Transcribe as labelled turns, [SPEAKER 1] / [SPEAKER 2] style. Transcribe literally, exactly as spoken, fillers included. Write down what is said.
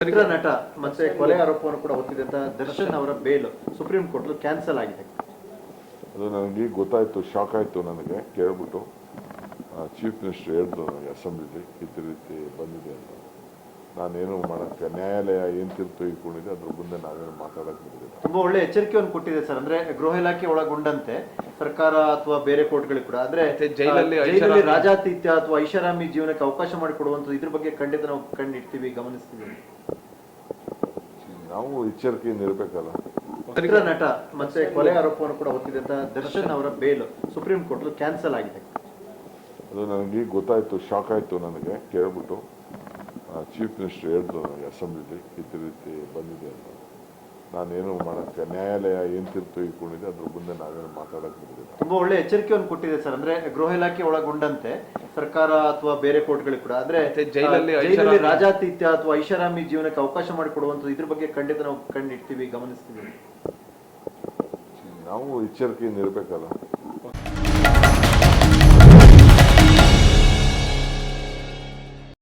[SPEAKER 1] ಚಿತ್ರ ನಟ ಮತ್ತೆ ಕೊಲೆ ಆರೋಪವನ್ನು ಕೂಡ ಹೊತ್ತಿದ್ದಂತ ದರ್ಶನ್ ಅವರ ಬೇಲ್ ಸುಪ್ರೀಂ ಕೋರ್ಟ್ ಕ್ಯಾನ್ಸಲ್ ಆಗಿದೆ.
[SPEAKER 2] ಅದು ನನಗೆ ಗೊತ್ತಾಯಿತು, ಶಾಕ್ ಆಯಿತು ನನಗೆ ಕೇಳ್ಬಿಟ್ಟು. ಚೀಫ್ ಮಿನಿಸ್ಟರ್ ಹೇಳಿದ್ರು ನನಗೆ ಅಸೆಂಬ್ಲಿಲಿ ಈ ರೀತಿ ಬಂದಿದೆ ಅಂತ. ನಾನೇನು ಮಾಡೋಕ್ಕೆ, ನ್ಯಾಯಾಲಯ ಏನು ತೀರ್ಪು ತೆಗೆದುಕೊಂಡಿದೆ ಅದ್ರ ಮುಂದೆ ನಾವೇನು ಮಾತಾಡೋಕ್ಕೆ ಬಿಡೋದಿಲ್ಲ.
[SPEAKER 1] ತುಂಬಾ ಒಳ್ಳೆ ಎಚ್ಚರಿಕೆಯನ್ನು ಕೊಟ್ಟಿದೆ ಸರ್. ಅಂದ್ರೆ ಗೃಹ ಇಲಾಖೆ ಒಳಗೊಂಡಂತೆ ಸರ್ಕಾರ ಅಥವಾ ಬೇರೆ ಕೋರ್ಟ್ಗಳಿಗೆ ಕೂಡ ಅಂದ್ರೆ ಜೈಲಲ್ಲಿ ಜೈಲಲ್ಲಿ ರಾಜಾತಿಥ್ಯ ಅಥವಾ ಐಷಾರಾಮಿ ಜೀವನಕ್ಕೆ ಅವಕಾಶ ಮಾಡಿಕೊಡುವಂಥದ್ದು ಇದ್ರ ಬಗ್ಗೆ ಖಂಡಿತ ನಾವು ಕಂಡಿಡ್ತೀವಿ, ಗಮನಿಸ್ತೀವಿ.
[SPEAKER 2] ನಾವು ಎಚ್ಚರಿಕೆಯಿಂದ ಇರಬೇಕಲ್ಲ.
[SPEAKER 1] ಚಿತ್ರ ನಟ ಮತ್ತೆ ಕೊಲೆ ಆರೋಪವನ್ನು ಕೂಡ ಹೊತ್ತಿದ್ದಂತ ದರ್ಶನ್ ಅವರ ಬೇಲ್ ಸುಪ್ರೀಂ ಕೋರ್ಟ್ ಕ್ಯಾನ್ಸಲ್ ಆಗಿದೆ.
[SPEAKER 2] ಅದು ನನಗೆ ಗೊತ್ತಾಯಿತು, ಶಾಕ್ ಆಯಿತು ನನಗೆ ಕೇಳ್ಬಿಟ್ಟು. ಚೀಫ್ ಮಿನಿಸ್ಟರ್ ಹೇಳಿದ್ರು ನನಗೆ ಅಸೆಂಬ್ಲಿಲಿ ಈ ರೀತಿ ಬಂದಿದೆ ಅಂತ. ನಾನೇನು ಮಾಡೋಕ್ಕೆ, ನ್ಯಾಯಾಲಯ ಏನು ತೀರ್ಪು ತೆಗೆದುಕೊಂಡಿದೆ ಅದ್ರ ಮುಂದೆ ನಾವೇನು ಮಾತಾಡೋಕ್ಕೆ ಬಿಡೋದಿಲ್ಲ.
[SPEAKER 1] ತುಂಬಾ ಒಳ್ಳೆ ಎಚ್ಚರಿಕೆಯನ್ನು ಕೊಟ್ಟಿದೆ ಸರ್. ಅಂದ್ರೆ ಗೃಹ ಇಲಾಖೆ ಒಳಗೊಂಡಂತೆ ಸರ್ಕಾರ ಅಥವಾ ಬೇರೆ ಕೋರ್ಟ್ಗಳಿಗೆ ಕೂಡ ಅಂದ್ರೆ ಜೈಲಲ್ಲಿ ಜೈಲಲ್ಲಿ ರಾಜಾತಿಥ್ಯ ಅಥವಾ ಐಷಾರಾಮಿ ಜೀವನಕ್ಕೆ ಅವಕಾಶ ಮಾಡಿಕೊಡುವಂಥದ್ದು ಇದ್ರ ಬಗ್ಗೆ ಖಂಡಿತ ನಾವು ಕಂಡಿಡ್ತೀವಿ, ಗಮನಿಸ್ತೀವಿ.
[SPEAKER 2] ನಾವು ಎಚ್ಚರಿಕೆಯಿಂದ ಇರಬೇಕಲ್ಲ.